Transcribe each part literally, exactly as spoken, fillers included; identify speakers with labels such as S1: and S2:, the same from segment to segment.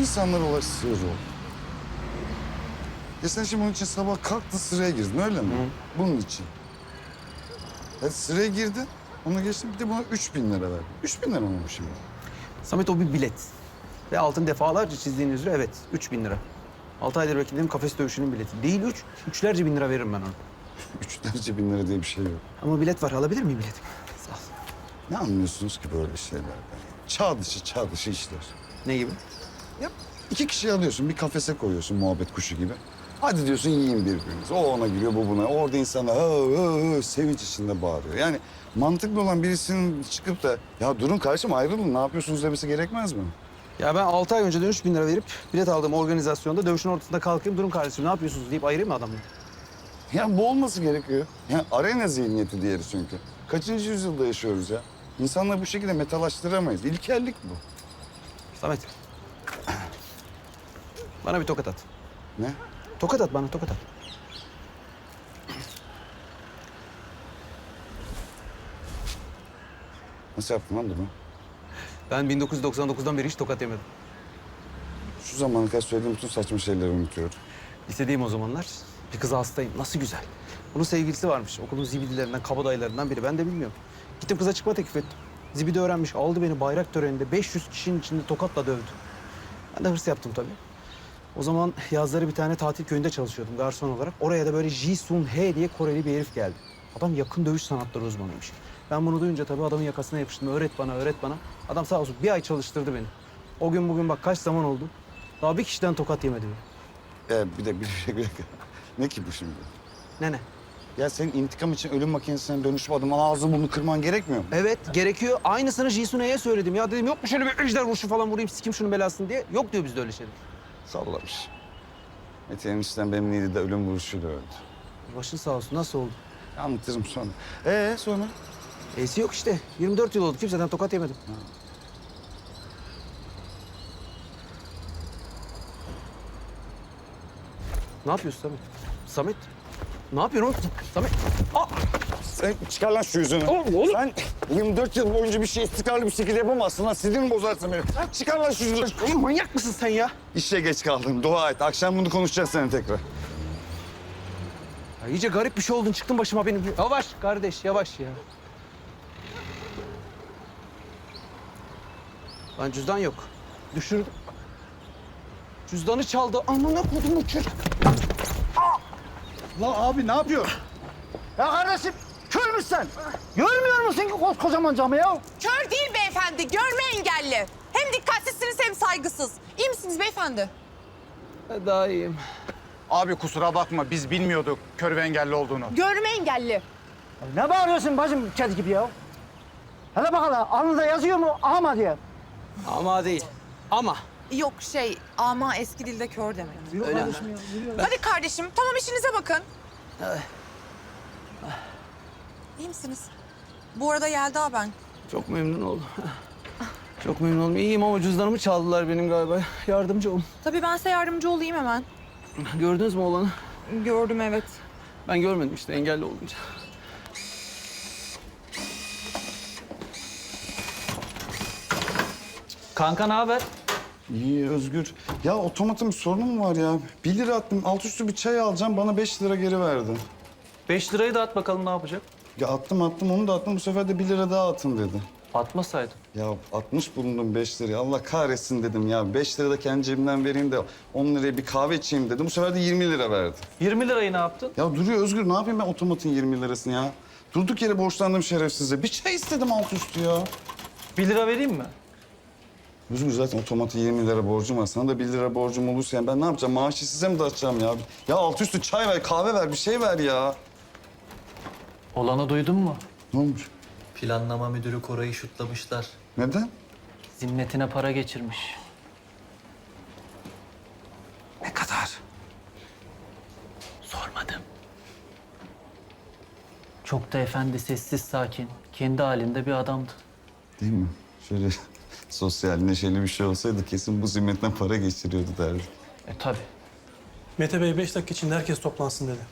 S1: İnsanlara ulaş sığır ol. Ya sen şimdi bunun için sabah kalktın sıraya girdin öyle mi? Hı. Bunun için. Ya sıraya girdin, onu geçtin bir de buna üç bin lira verdin. Üç bin lira mı bu şimdi?
S2: Samet o bir bilet. Ve altın defalarca çizdiğin üzere evet üç bin lira. Altı aydır beklediğim kafes dövüşünün bileti. Değil üç, üçlerce bin lira veririm ben ona.
S1: Üçlerce bin lira diye bir şey yok.
S2: Ama bilet var. Alabilir miyim biletimi? Sağ ol.
S1: Ne anlıyorsunuz ki böyle şeylerden? Çağ dışı, çağ dışı işler.
S2: Ne gibi?
S1: Ya iki kişiyi alıyorsun, bir kafese koyuyorsun muhabbet kuşu gibi. Hadi diyorsun yiyin birbirinizi. O ona giriyor, bu buna. Orada insanlar hı, hı, hı, sevinç içinde bağırıyor. Yani mantıklı olan birisinin çıkıp da ya durun kardeşim ayrılın ne yapıyorsunuz demesi gerekmez mi?
S2: Ya ben altı ay önceden üç bin lira verip bilet aldığım organizasyonda dövüşün ortasında kalkayım. Durun kardeşim ne yapıyorsunuz deyip ayırayım mı adamı?
S1: Ya bu olması gerekiyor. Ya arena zihniyeti diğeri çünkü. Kaçıncı yüzyılda yaşıyoruz ya? İnsanları bu şekilde metalaştıramayız. İlkellik bu.
S2: Samet. Bana bir tokat at.
S1: Ne?
S2: Tokat at bana, tokat at.
S1: Nasıl yaptın lan bunu?
S2: Ben bin dokuz yüz doksan dokuzdan beri hiç tokat yemedim.
S1: Şu zamana kadar söylediğim bütün saçma şeyleri unutuyorum.
S2: Lisedeyim o zamanlar. Bir kıza hastayım. Nasıl güzel. Bunun sevgilisi varmış. Okulun zibidilerinden, kabadayılarından biri. Ben de bilmiyorum. Gittim kıza çıkma teklif ettim. Zibidi öğrenmiş. Aldı beni bayrak töreninde beş yüz kişinin içinde tokatla dövdü. Ben de hırs yaptım tabii. O zaman yazları bir tane tatil köyünde çalışıyordum garson olarak. Oraya da böyle Ji Sun He diye Koreli bir herif geldi. Adam yakın dövüş sanatları uzmanıymış. Ben bunu duyunca tabii adamın yakasına yapıştım. Öğret bana, öğret bana. Adam sağ olsun bir ay çalıştırdı beni. O gün bugün bak kaç zaman oldu. Daha bir kişiden tokat yemedim.
S1: Ee, bir de bir dakika, bir dakika. Ne ki bu şimdi?
S2: Ne ne?
S1: Ya senin intikam için ölüm makinesine dönüşüp adamın ağzı bunu kırman gerekmiyor mu?
S2: Evet gerekiyor. Aynısını Jisune'ye söyledim. Ya dedim yok mu şöyle bir ejder vuruşu falan vurayım sikim şunun belasını diye. Yok diyor bizde öyle şeyler.
S1: Sallamış. Mete'nin işten benim neydi de ölüm vuruşuyla öldü.
S2: Başın sağ olsun. Nasıl oldu?
S1: Anlatırım sonra. Ee sonra?
S2: E'si yok işte. yirmi dört yıl oldu. Kimseden tokat yemedim. Ha. Ne yapıyorsun Samet? Samet? Ne yapıyorsun oğlum? Samet? Aa!
S1: Sen çıkar lan şu yüzünü.
S2: Oğlum, oğlum.
S1: Sen yirmi dört yıl boyunca bir şey istikrarlı bir şekilde yapamazsın lan. Sinirini bozarsın beni. Çıkar lan şu yüzünü.
S2: Oğlum manyak mısın sen ya?
S1: İşe geç kaldım. Dua et. Akşam bunu konuşacağız seninle tekrar.
S2: Ya iyice garip bir şey oldun. Çıktın başıma benim. Yavaş kardeş, yavaş ya. Lan cüzdan yok. Düşürdüm. Cüzdanı çaldı. Amına kodum bu çocuk.
S1: Lan abi ne yapıyor?
S3: Ya kardeşim kör müsün sen? Görmüyor musun ki koskocaman camı ya?
S4: Kör değil beyefendi, görme engelli. Hem dikkatsizsiniz hem saygısız. İyi misiniz beyefendi?
S2: Daha iyiyim.
S5: Abi kusura bakma biz bilmiyorduk kör ve engelli olduğunu.
S4: Görme engelli.
S3: Ne bağırıyorsun bacım kedi gibi ya? Hele bakalım alnında yazıyor mu ama diye.
S2: Ama değil. Ama.
S4: Yok şey, ama eski dilde kör demek.
S3: Yürü
S2: Öyle
S3: kardeşim ya, yürü.
S4: Hadi kardeşim, tamam işinize bakın. İyi misiniz? Bu arada Yelda ben.
S2: Çok memnun oldum. Çok memnun oldum. İyiyim ama cüzdanımı çaldılar benim galiba. Yardımcı olun.
S4: Tabii ben size yardımcı olayım hemen.
S2: Gördünüz mü olanı?
S4: Gördüm evet.
S2: Ben görmedim işte engelli olunca.
S6: Kanka ne haber?
S1: İyi Özgür. Ya otomatın bir sorunu mu var ya? Bir lira attım. Alt üstü bir çay alacağım. Bana beş lira geri verdi.
S6: Beş lirayı da at bakalım ne yapacak?
S1: Ya attım attım onu da attım. Bu sefer de bir lira daha atın dedi.
S6: Atmasaydın.
S1: Ya atmış bulundum beş lirayı. Allah kahretsin dedim ya. Beş lira da kendi cebimden vereyim de on liraya bir kahve içeyim dedim. Bu sefer de yirmi lira verdi.
S6: Yirmi lirayı ne yaptın?
S1: Ya duruyor Özgür. Ne yapayım ben otomatın yirmi lirasını ya? Durduk yere borçlandım şerefsize. Bir çay istedim alt üstü ya.
S6: Bir lira vereyim mi?
S1: Özgür zaten otomatı yirmi lira borcum var. Sana da bir lira borcum olursa yani ben ne yapacağım? Maaşı size mi dağıtacağım ya? Ya alt üstü çay ver, kahve ver, bir şey ver ya.
S6: Olanı duydun mu?
S1: Ne olmuş?
S6: Planlama müdürü Koray'ı şutlamışlar.
S1: Neden?
S6: Zimmetine para geçirmiş.
S2: Ne kadar?
S6: Sormadım. Çok da efendi, sessiz, sakin. Kendi halinde bir adamdı.
S1: Değil mi? Şöyle sosyal, neşeli bir şey olsaydı kesin bu zimmetten para geçiriyordu derdi.
S6: E tabii.
S7: Mete Bey beş dakika içinde herkes toplansın dedi.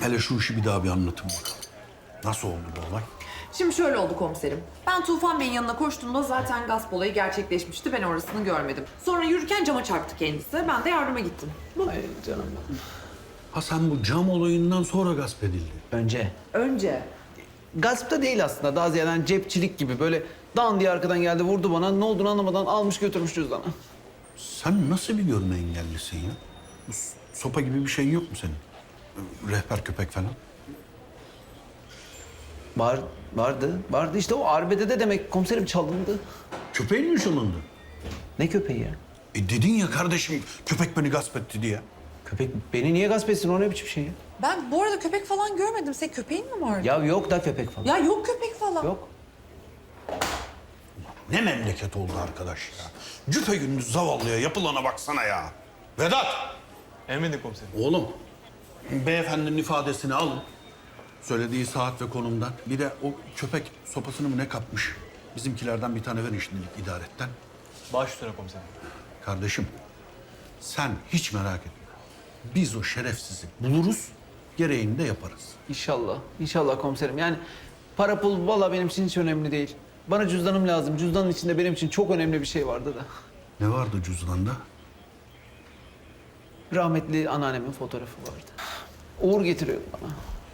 S8: Hele şu işi bir daha bir anlatın bakalım. Nasıl oldu bu olay?
S9: Şimdi şöyle oldu komiserim. Ben Tufan Bey'in yanına koştuğumda zaten gasp olayı gerçekleşmişti. Ben orasını görmedim. Sonra yürürken cama çarptı kendisi. Ben de yardıma gittim.
S2: Ay canım.
S8: Ha sen bu cam olayından sonra gasp edildi.
S2: Önce.
S9: Önce.
S2: Gasp da değil aslında. Daha ziyade hani cepçilik gibi böyle dan diye arkadan geldi vurdu bana. Ne olduğunu anlamadan almış götürmüş cüzdanı.
S8: Sen nasıl bir görme engellisin ya? Bu s- sopa gibi bir şeyin yok mu senin? Rehber köpek falan.
S2: Var, vardı. Vardı işte o arbedede de demek komiserim çalındı.
S8: Köpeğin mi çalındı?
S2: Ne köpeği ya?
S8: E dedin ya kardeşim köpek beni gasp etti diye.
S2: Köpek beni niye gasp etsin? O ne biçim şey ya?
S4: Ben bu arada köpek falan görmedim. Senin köpeğin mi vardı?
S2: Ya yok da köpek falan.
S4: Ya yok köpek falan.
S2: Yok.
S8: Ne memleket oldu arkadaş ya. Cüpe gündüz zavallıya yapılana baksana ya. Vedat!
S7: Emredin komiserim.
S8: Oğlum, beyefendinin ifadesini alın. Söylediği saat ve konumdan. Bir de o köpek sopasını mı ne kapmış? Bizimkilerden bir tane verin şimdilik idaretten.
S7: Baş üstüne komiserim.
S8: Kardeşim, sen hiç merak etme. Biz o şerefsizi buluruz, gereğini de yaparız.
S2: İnşallah. İnşallah komiserim. Yani para pul valla benim için hiç önemli değil. Bana cüzdanım lazım. Cüzdanın içinde benim için çok önemli bir şey vardı da.
S8: Ne vardı cüzdanda?
S2: Rahmetli anneannemin fotoğrafı vardı. Uğur getiriyordu bana.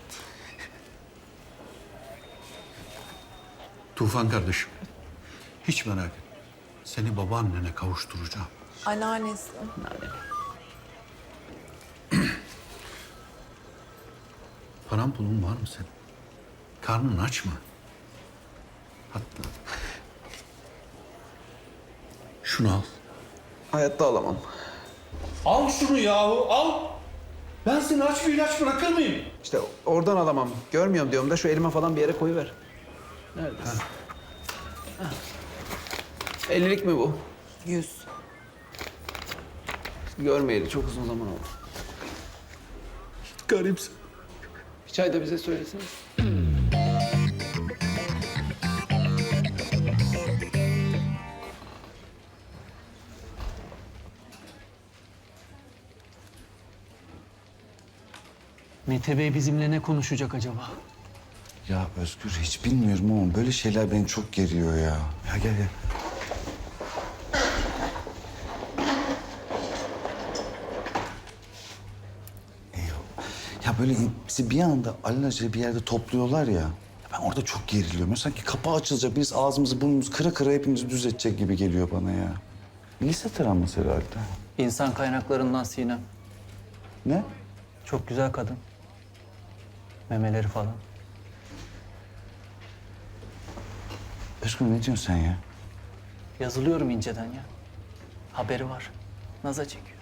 S8: Tufan kardeşim, hiç merak etme. Seni babaannene kavuşturacağım.
S4: Anneannesi.
S2: Anneannem.
S8: Paran pulun var mı senin? Karnın aç mı? Hatta şunu al.
S2: Hayatta alamam.
S8: Al şunu yahu al. Ben seni aç bir ilaç bırakır mıyım?
S2: İşte oradan alamam. Görmüyorum diyorum da şu elime falan bir yere koyuver. Neredesin? Ha. ellilik mi bu?
S4: Yüz.
S2: Görmeyeli çok uzun zaman oldu.
S8: Garipsin.
S2: Bir çay da bize söylesene.
S6: Mete Bey bizimle ne konuşacak acaba?
S1: Ya Özgür hiç bilmiyorum ama böyle şeyler beni çok geriyor ya. Ya gel gel. Eyvallah. Ya böyle bizi bir anda alelacele bir yerde topluyorlar ya. Ben orada çok geriliyorum. Sanki kapı açılacak, birisi ağzımızı burnumuzu kıra kıra hepimizi düz edecek gibi geliyor bana ya. Lise travması herhalde.
S6: İnsan kaynaklarından Sinem.
S1: Ne?
S6: Çok güzel kadın. Memeleri falan.
S1: Özgür ne diyorsun sen ya?
S6: Yazılıyorum inceden ya. Haberi var. Naza çekiyor.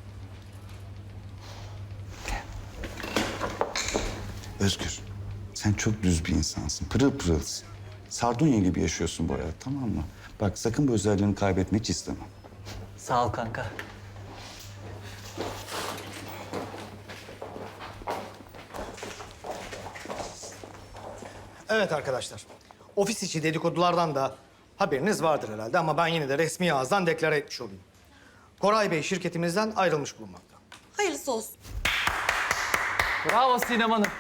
S1: Özgür, sen çok düz bir insansın. Pırıl pırılsın. Sardunya gibi yaşıyorsun bu hayat, tamam mı? Bak sakın bu özelliğini kaybetmek hiç istemem.
S6: Sağ ol kanka.
S3: Evet arkadaşlar. Ofis içi dedikodulardan da haberiniz vardır herhalde ama ben yine de resmi ağızdan deklare etmiş olayım. Koray Bey şirketimizden ayrılmış bulunmakta.
S4: Hayırlısı olsun.
S6: Bravo Sinem Hanım.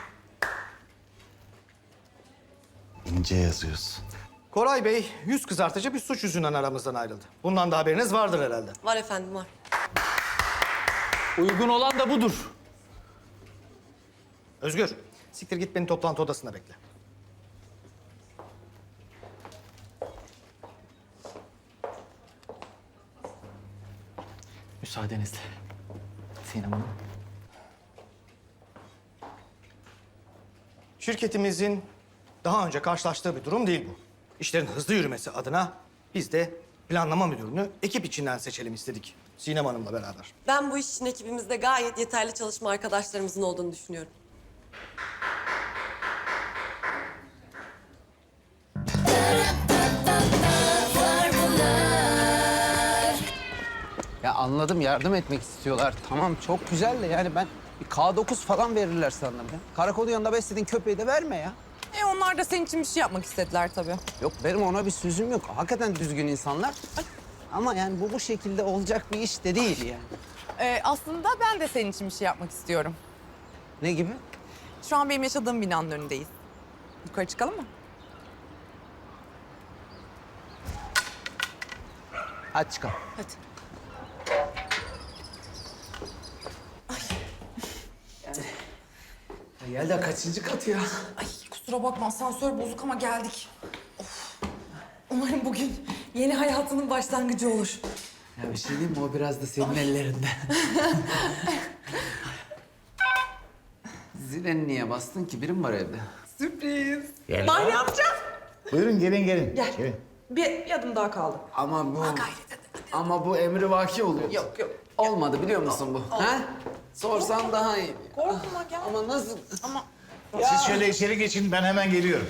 S1: İnce yazıyorsun.
S3: Koray Bey yüz kızartıcı bir suç yüzünden aramızdan ayrıldı. Bundan da haberiniz vardır herhalde.
S4: Var efendim var.
S6: Uygun olan da budur.
S3: Özgür, siktir git beni toplantı odasına bekle.
S6: Müsaadenizle. Sinem Hanım.
S3: Şirketimizin daha önce karşılaştığı bir durum değil bu. İşlerin hızlı yürümesi adına biz de planlama müdürünü ekip içinden seçelim istedik. Sinem Hanım'la beraber.
S10: Ben bu iş için ekibimizde gayet yeterli çalışma arkadaşlarımızın olduğunu düşünüyorum.
S2: Ya anladım yardım etmek istiyorlar. Tamam çok güzel de yani ben bir K dokuz falan verirler sandım ya. Karakolun yanında beslediğin köpeği de verme ya.
S4: E onlar da senin için bir şey yapmak istediler tabii.
S2: Yok benim ona bir sözüm yok. Hakikaten düzgün insanlar. Ama yani bu bu şekilde olacak bir iş de değil yani.
S4: Ee, aslında ben de senin için bir şey yapmak istiyorum.
S2: Ne gibi?
S4: Şu an benim yaşadığım binanın önündeyiz. Yukarı çıkalım mı?
S2: Hadi çıkalım.
S4: Hadi.
S2: Yelda kaçıncı kat ya?
S9: Ay kusura bakma asansör bozuk ama geldik. Of. Umarım bugün yeni hayatının başlangıcı olur.
S2: Ya bir şey diyeyim mi? O biraz da senin ellerinde. Zileni niye bastın ki? Biri mi var evde?
S9: Sürpriz. Bahri amca.
S11: Buyurun gelin gelin.
S9: Gel.
S11: Gelin.
S9: Bir adım daha kaldı.
S2: Ama bu... Ama bu emri vaki oluyor.
S9: Yok yok.
S2: Olmadı biliyor musun bu? Ha? Sorsan daha iyi.
S9: Korkma gel.
S2: Ama nasıl?
S9: Ama
S11: Siz şöyle içeri geçin ben hemen geliyorum.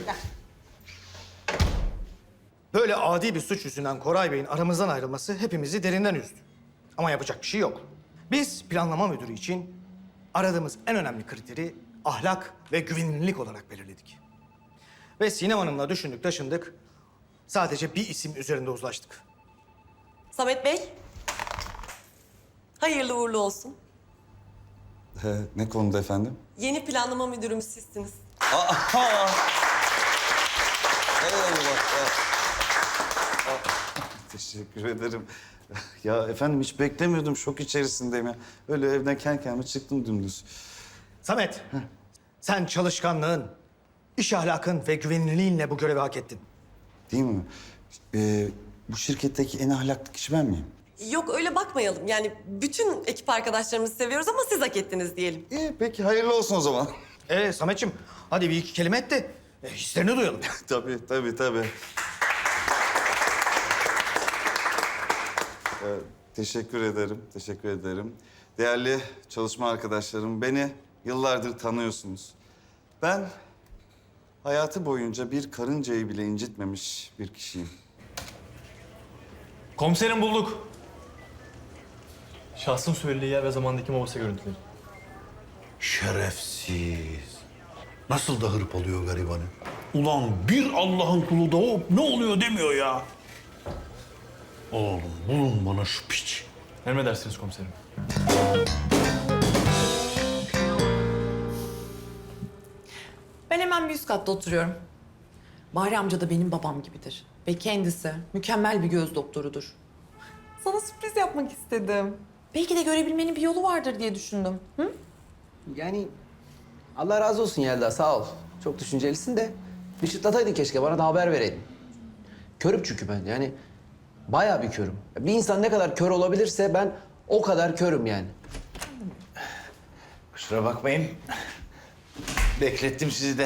S3: Böyle adi bir suç yüzünden Koray Bey'in aramızdan ayrılması hepimizi derinden üzdü. Ama yapacak bir şey yok. Biz planlama müdürü için aradığımız en önemli kriteri ahlak ve güvenilirlik olarak belirledik. Ve Sinem Hanım'la düşündük, taşındık. Sadece bir isim üzerinde uzlaştık.
S10: Samet Bey. Hayırlı uğurlu olsun.
S1: He, ne konuda efendim?
S10: Yeni planlama müdürümüz sizsiniz.
S1: Teşekkür ederim. Ya efendim hiç beklemiyordum. Şok içerisindeyim ya. Öyle evden kendi kendime çıktım dümdüz.
S3: Samet, sen çalışkanlığın, iş ahlakın ve güvenilirliğinle bu görevi hak ettin.
S1: Değil mi? Ee, bu şirketteki en ahlaklı kişi ben miyim?
S10: Yok öyle bakmayalım. Yani bütün ekip arkadaşlarımızı seviyoruz ama siz hak ettiniz diyelim.
S1: İyi peki hayırlı olsun o zaman.
S3: Ee Sametciğim, hadi bir iki kelime et de e, hislerini duyalım.
S1: tabii tabii tabii. Ee, teşekkür ederim, teşekkür ederim. Değerli çalışma arkadaşlarım, beni yıllardır tanıyorsunuz. Ben hayatı boyunca bir karıncayı bile incitmemiş bir kişiyim.
S7: Komiserim bulduk. Şahsın söylediği yer ve zamandaki mobese görüntüleri.
S8: Şerefsiz. Nasıl da hırpalıyor garibanı. Ulan bir Allah'ın kulu da hop ne oluyor demiyor ya. Oğlum bulun bana şu piç.
S7: Emredersiniz komiserim.
S9: ben hemen bir üst katta oturuyorum. Bahri amca da benim babam gibidir. Ve kendisi mükemmel bir göz doktorudur. Sana sürpriz yapmak istedim. Belki de görebilmenin bir yolu vardır diye düşündüm. Hı?
S2: Yani Allah razı olsun Yelda sağ ol. Çok düşüncelisin de bir çıtlataydın keşke bana da haber vereydin. Körüm çünkü ben yani bayağı bir körüm. Bir insan ne kadar kör olabilirse ben o kadar körüm yani.
S11: Kusura bakmayın. Beklettim sizi de.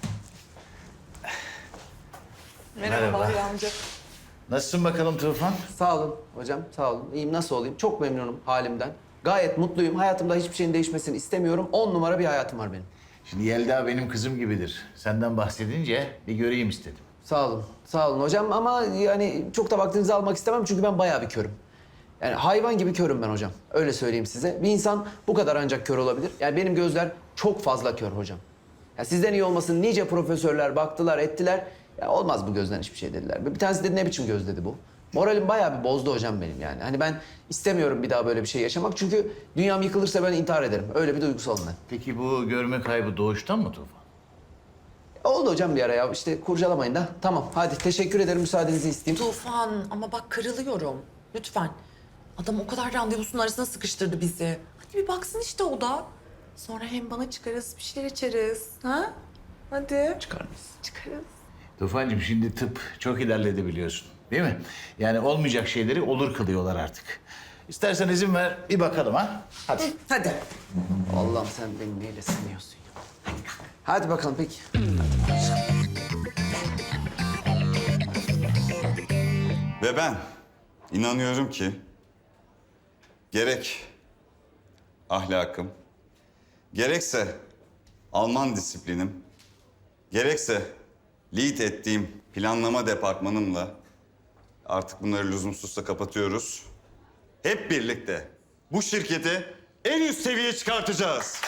S9: Merhaba Bahri amca.
S11: Nasılsın bakalım Tufan?
S2: Sağ olun hocam sağ olun. İyiyim nasıl olayım? Çok memnunum halimden. Gayet mutluyum. Hayatımda hiçbir şeyin değişmesini istemiyorum. On numara bir hayatım var benim.
S11: Şimdi Yelda benim kızım gibidir. Senden bahsedince bir göreyim istedim.
S2: Sağ olun. Sağ olun hocam ama yani çok da vaktinizi almak istemem çünkü ben bayağı bir körüm. Yani hayvan gibi körüm ben hocam. Öyle söyleyeyim size. Bir insan bu kadar ancak kör olabilir. Yani benim gözler çok fazla kör hocam. Ya sizden iyi olmasın nice profesörler baktılar, ettiler. Ya olmaz bu gözden hiçbir şey dediler. Bir tanesi dedi ne biçim göz dedi bu. Moralim bayağı bir bozdu hocam benim yani. Hani ben istemiyorum bir daha böyle bir şey yaşamak. Çünkü dünyam yıkılırsa ben intihar ederim. Öyle bir duygusalım ben.
S11: Peki bu görme kaybı doğuştan mı Tufan?
S2: Oldu hocam bir ara ya. İşte kurcalamayın da. Tamam hadi teşekkür ederim. Müsaadenizi isteyeyim.
S9: Tufan ama bak kırılıyorum. Lütfen. Adam o kadar randevusunun arasına sıkıştırdı bizi. Hadi bir baksın işte o da. Sonra hem bana çıkarız, bir şeyler içeriz. Ha? Hadi.
S11: Çıkar mısın?
S9: Çıkarız.
S11: Tufancığım şimdi tıp çok ilerledi biliyorsun. Değil mi? Yani olmayacak şeyleri olur kılıyorlar artık. İstersen izin ver bir bakalım ha. Hadi.
S9: Hadi.
S2: Allah'ım sen beni neyle sınıyorsun ya. Hadi bakalım peki.
S1: Ve ben inanıyorum ki gerek ahlakım, gerekse Alman disiplinim, gerekse lead ettiğim planlama departmanımla artık bunları lüzumsuzsa kapatıyoruz. Hep birlikte bu şirketi en üst seviyeye çıkartacağız.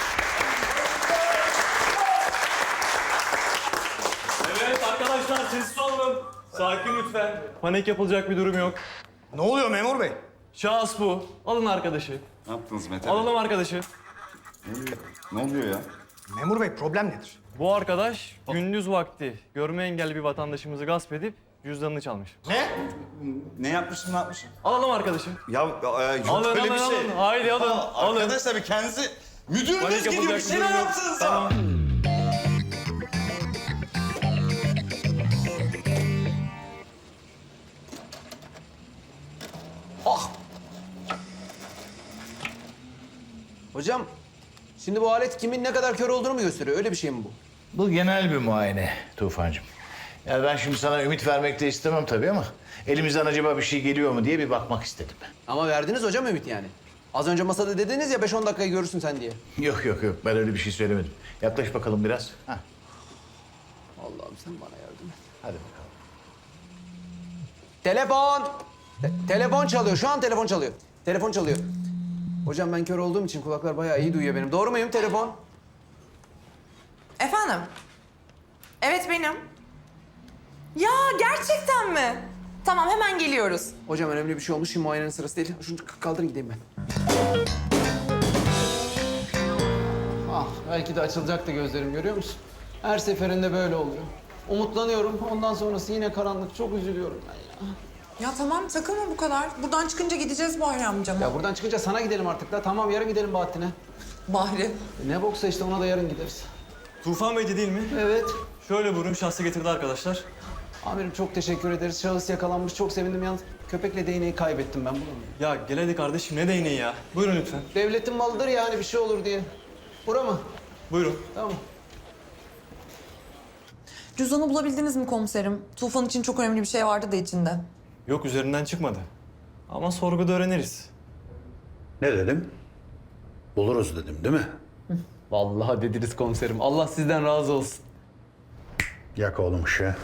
S7: Evet arkadaşlar sessiz olun. Sakin lütfen. Panik yapılacak bir durum yok.
S3: Ne oluyor memur bey?
S7: Şahıs bu. Alın arkadaşı.
S1: Ne yaptınız Mete Bey?
S7: Alalım arkadaşı.
S1: Ne oluyor? Ne oluyor ya?
S3: Memur bey problem nedir?
S7: Bu arkadaş gündüz vakti görme engelli bir vatandaşımızı gasp edip cüzdanını çalmış.
S3: Ne?
S1: Ne yapmışım ne yapmışım?
S7: Alalım arkadaşım.
S1: Ya e, yok
S7: Alın,
S1: öyle bir
S7: alın,
S1: şey.
S7: alın. Haydi alın,
S1: Aa,
S7: alın.
S1: Arkadaşlar bir kendinizi... Müdürünüz
S7: Panik
S1: gidiyor bir
S7: yapılacak
S1: şeyler
S7: durum yok.
S1: yapsanıza.
S7: Tamam.
S2: Hocam, şimdi bu alet kimin ne kadar kör olduğunu mu gösteriyor? Öyle bir şey mi bu?
S11: Bu genel bir muayene Tufancığım. Yani ben şimdi sana ümit vermek de istemem tabii ama elimizden acaba bir şey geliyor mu diye bir bakmak istedim.
S2: Ama verdiniz hocam ümit yani. Az önce masada dediniz ya beş on dakikayı görürsün sen diye.
S11: Yok yok yok ben öyle bir şey söylemedim. Yaklaş bakalım biraz. Hah,
S2: Allah'ım sen bana yardım et.
S11: hadi bakalım.
S2: Telefon! Te- telefon çalıyor. Şu an telefon çalıyor. Telefon çalıyor. Hocam ben kör olduğum için kulaklar bayağı iyi duyuyor benim. Doğru muyum telefon?
S9: Efendim? Evet benim. Ya gerçekten mi? Tamam hemen geliyoruz.
S2: Hocam önemli bir şey olmuş. Şimdi muayenenin sırası değil. Şunu k- kaldırın gideyim ben. Ah belki de açılacaktı gözlerim görüyor musun? Her seferinde böyle oluyor. Umutlanıyorum. Ondan sonrası yine karanlık. Çok üzülüyorum ben ya.
S9: Ya tamam takılma bu kadar. Buradan çıkınca gideceğiz Bahri amcama.
S2: Ya buradan çıkınca sana gidelim artık da. Tamam yarın gidelim Bahattin'e.
S9: Bahri.
S2: E, Ne boksa işte ona da yarın gideriz.
S7: Tufan Bey'di değil mi?
S2: Evet.
S7: Şöyle buyurun, şahsı getirdi arkadaşlar.
S2: Amirim çok teşekkür ederiz. Şahıs yakalanmış. Çok sevindim yalnız. Köpekle değneği kaybettim ben bunu.
S7: Ya gel hadi kardeşim, ne değneği ya. Buyurun lütfen.
S2: Devletin malıdır yani bir şey olur diye. Bura mı?
S7: Buyurun.
S2: Tamam.
S9: Cüzdanı bulabildiniz mi komiserim? Tufan için çok önemli bir şey vardı da içinde.
S7: Yok, üzerinden çıkmadı. Ama sorguda öğreniriz.
S8: Ne dedim? Buluruz dedim değil mi?
S2: Vallahi dediniz komiserim. Allah sizden razı olsun.
S8: Yak oğlum ışığı.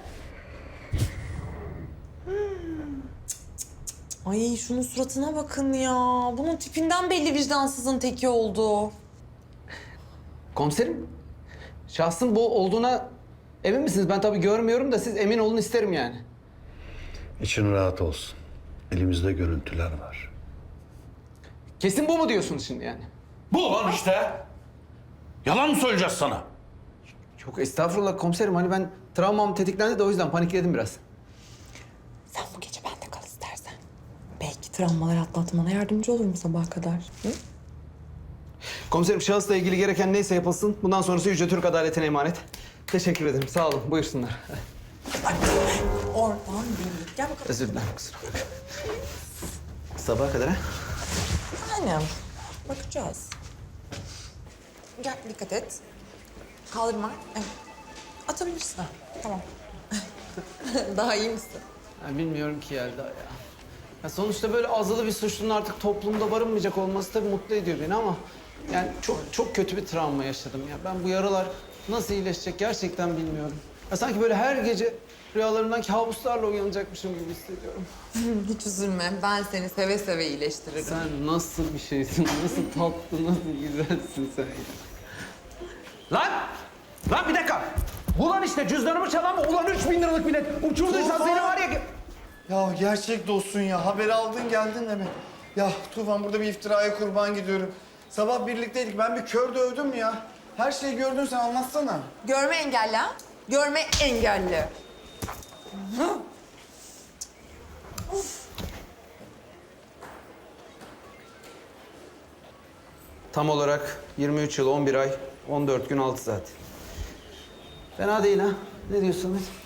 S9: Ay şunun suratına bakın ya. Bunun tipinden belli vicdansızın teki oldu.
S2: Komiserim, şahsın bu olduğuna emin misiniz? Ben tabii görmüyorum da siz emin olun isterim yani.
S8: İçin rahat olsun. Elimizde görüntüler var.
S2: Kesin bu mu diyorsunuz şimdi yani?
S8: Bu lan işte. Yalan mı söyleyeceğiz sana?
S2: Çok estağfurullah komiserim. Hani ben travmam tetiklendi de o yüzden panikledim biraz.
S9: Sen bu gece bende kal istersen. Belki travmaları atlatmana yardımcı olurum sabaha kadar. Hı?
S2: Komiserim şahısla ilgili gereken neyse yapılsın. Bundan sonrası Yüce Türk Adaleti'ne emanet. Teşekkür ederim. Sağ olun. Buyursunlar.
S9: Oradan değil. Gel bakalım.
S2: Özür dilerim kusura bakma. Sabaha kadar ha?
S9: Aynen. Bakacağız. Gel dikkat et. Kaldırma. Evet. Atabilirsin. Tamam. Daha iyi misin?
S2: Ben bilmiyorum ki Yelda ya. Ya sonuçta böyle azılı bir suçlunun artık toplumda barınmayacak olması tabii mutlu ediyor beni ama... Yani çok çok kötü bir travma yaşadım ya. Ben bu yaralar nasıl iyileşecek gerçekten bilmiyorum. Ya sanki böyle her gece rüyalarımdan kabuslarla uyanacakmışım gibi hissediyorum.
S9: Hiç üzülme. Ben seni seve seve iyileştiririm.
S2: Sen nasıl bir şeysin, nasıl tatlı, nasıl güzelsin sen ya. Lan! Lan bir dakika! Ulan işte cüzdanımı çalan mı? Ulan üç bin liralık bilet. Uçurduysan seni var ya...
S12: Ya gerçek dostsun ya. Haberi aldın geldin de mi? Ya Tufan burada bir iftiraya kurban gidiyorum. Sabah birlikteydik. Ben bir kör dövdüm ya. Her şeyi gördün sen anlatsana.
S9: Görme engelli ha? Görme engelli.
S2: Tam olarak yirmi üç yıl, on bir ay, on dört gün, altı saat. Fena değil ha. Ne diyorsun?